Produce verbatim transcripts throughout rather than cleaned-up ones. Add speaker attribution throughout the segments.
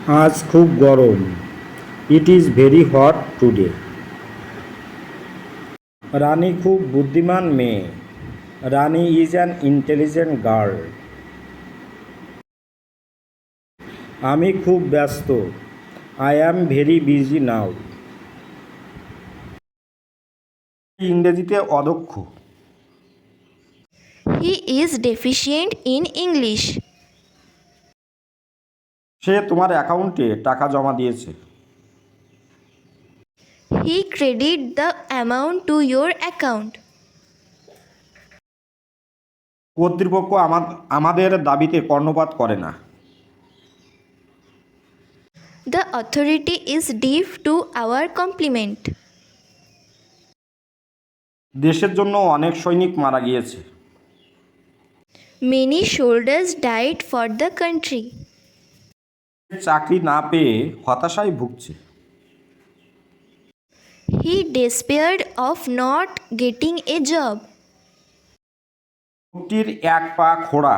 Speaker 1: আজ খুব গরম। It is very hot today. Rani খুব বুদ্ধিমান মেয়ে। Rani is an intelligent girl. আমি খুব ব্যস্ত। I am very busy now. ইংরেজিতে অদক্ষ।
Speaker 2: He is deficient in English.
Speaker 1: সে তোমার অ্যাকাউন্টে টাকা জমা দিয়েছে।
Speaker 2: He credit the amount to your account.
Speaker 1: কর্তৃপক্ষ আমাদের দাবিতে কর্ণপাত করে না।
Speaker 2: The authority is deaf to our compliment.
Speaker 1: দেশের জন্য অনেক সৈনিক মারা গিয়েছে।
Speaker 2: Many soldiers died for the country.
Speaker 1: চাকরি না পেয়ে হতাশায় ভুগছে।
Speaker 2: He despaired of not getting a job.
Speaker 1: লোকটির এক পা খোড়া।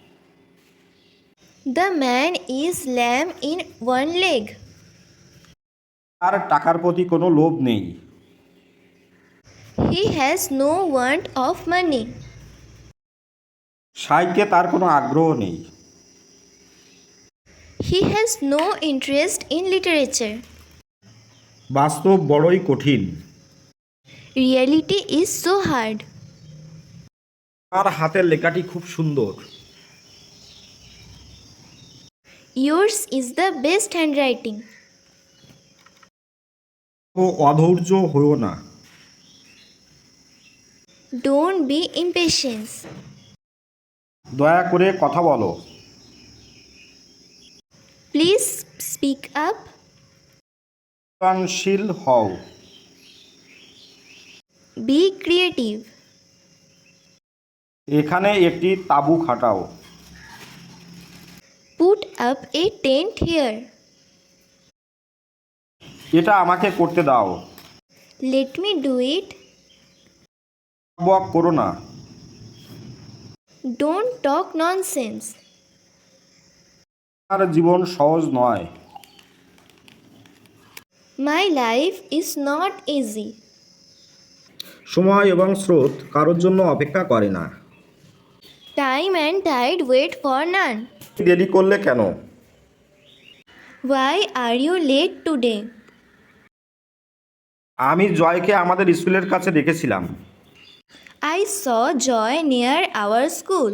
Speaker 2: The man is lame in one leg.
Speaker 1: তার টাকার প্রতি কোনো লোভ নেই।
Speaker 2: He has no want of money.
Speaker 1: সাহিত্যে তার কোনো আগ্রহ নেই।
Speaker 2: He has no interest in literature.
Speaker 1: বাস্তব বড়ই কঠিন।
Speaker 2: Reality is so hard.
Speaker 1: তার হাতের লেখাটি খুব সুন্দর।
Speaker 2: Yours is the best handwriting.
Speaker 1: ও অধৈর্য হইও না।
Speaker 2: Don't be impatient.
Speaker 1: দয়া করে কথা বলো।
Speaker 2: Please speak up.
Speaker 1: সৃজনশীল হও।
Speaker 2: Be creative.
Speaker 1: এখানে একটি তাঁবু খাটাও।
Speaker 2: Put up a tent here.
Speaker 1: এটা আমাকে করতে দাও।
Speaker 2: Let me do it.
Speaker 1: বক করো না।
Speaker 2: Don't talk nonsense.
Speaker 1: আমার জীবন সহজ নয়।
Speaker 2: My life is not easy.
Speaker 1: সময় এবং স্রোত কারোর জন্য অপেক্ষা করে না।
Speaker 2: Time and tide wait for none.
Speaker 1: দেরি করলে কেন?
Speaker 2: Why are you late today?
Speaker 1: আমি জয়কে আমাদের স্কুলের কাছে দেখেছিলাম।
Speaker 2: I saw Joy near our school.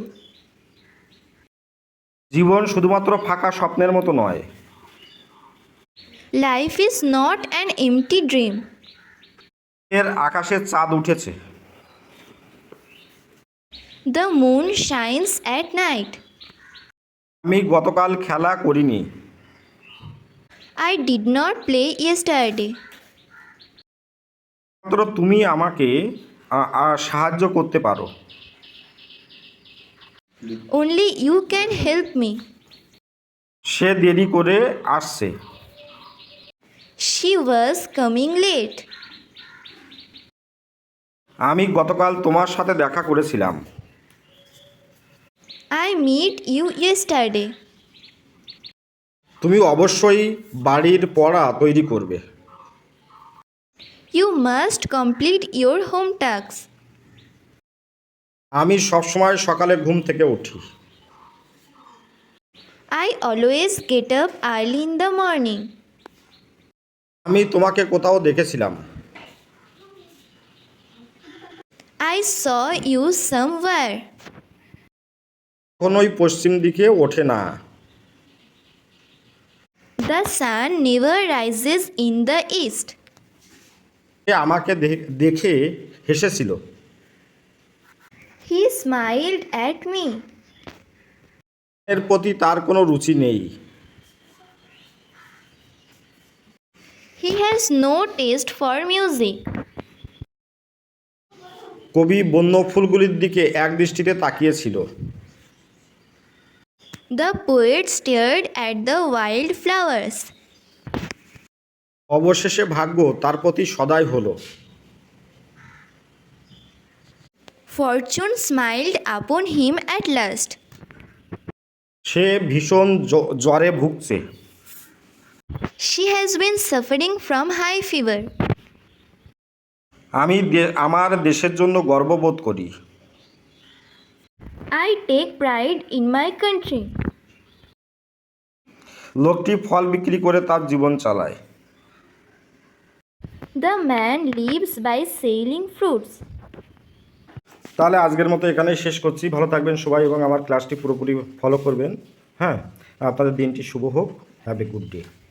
Speaker 1: জীবন শুধুমাত্র ফাঁকা স্বপ্নের মতো নয়।
Speaker 2: Life is not an empty dream.
Speaker 1: এর আকাশে চাঁদ উঠেছে।
Speaker 2: The moon shines at night.
Speaker 1: আমি গতকাল খেলা করিনি।
Speaker 2: I did not play yesterday.
Speaker 1: মাত্র তুমি আমাকে আ- আ- সাহায্য করতে পারো।
Speaker 2: Only you can help me.
Speaker 1: সে দেরি করে আসছে।
Speaker 2: She was coming late.
Speaker 1: আমি গতকাল তোমার সাথে দেখা করেছিলাম।
Speaker 2: I met you yesterday.
Speaker 1: তুমি অবশ্যই বাড়ির পড়া তৈরি করবে।
Speaker 2: You must complete your home tasks.
Speaker 1: আমি সবসময় সকালে ঘুম থেকে উঠি।
Speaker 2: I always get up early in the morning.
Speaker 1: আমি তোমাকে কোথাও দেখেছিলাম।
Speaker 2: I saw you somewhere.
Speaker 1: কখনোই পশ্চিম দিকে ওঠে না।
Speaker 2: The sun never rises in the east.
Speaker 1: সে আমাকে দে- দেখে হেসেছিল।
Speaker 2: He smiled at me.
Speaker 1: এর প্রতি তার কোনো রুচি নেই।
Speaker 2: He has no taste for music.
Speaker 1: কবি বন্য ফুলগুলির দিকে এক দৃষ্টিতে তাকিয়েছিল।
Speaker 2: The poet stared at the wild flowers.
Speaker 1: অবশেষে ভাগ্য তার প্রতি সদয় হলো।
Speaker 2: Fortune smiled upon him at last.
Speaker 1: সে ভীষণ জ- জ্বরে ভুগছে।
Speaker 2: She has been suffering from high fever.
Speaker 1: আমি দে- আমার দেশের জন্য গর্ববোধ করি।
Speaker 2: I take pride in my country.
Speaker 1: লোকটি ফল বিক্রি করে তার জীবন চালায়।
Speaker 2: The man lives by selling fruits.
Speaker 1: তাহলে আজকের মতো এখানেই শেষ করছি। ভালো থাকবেন সবাই এবং আমার ক্লাসটি পুরোপুরি ফলো করবেন। হ্যাঁ, আপনাদের দিনটি শুভ হোক। Have a good day.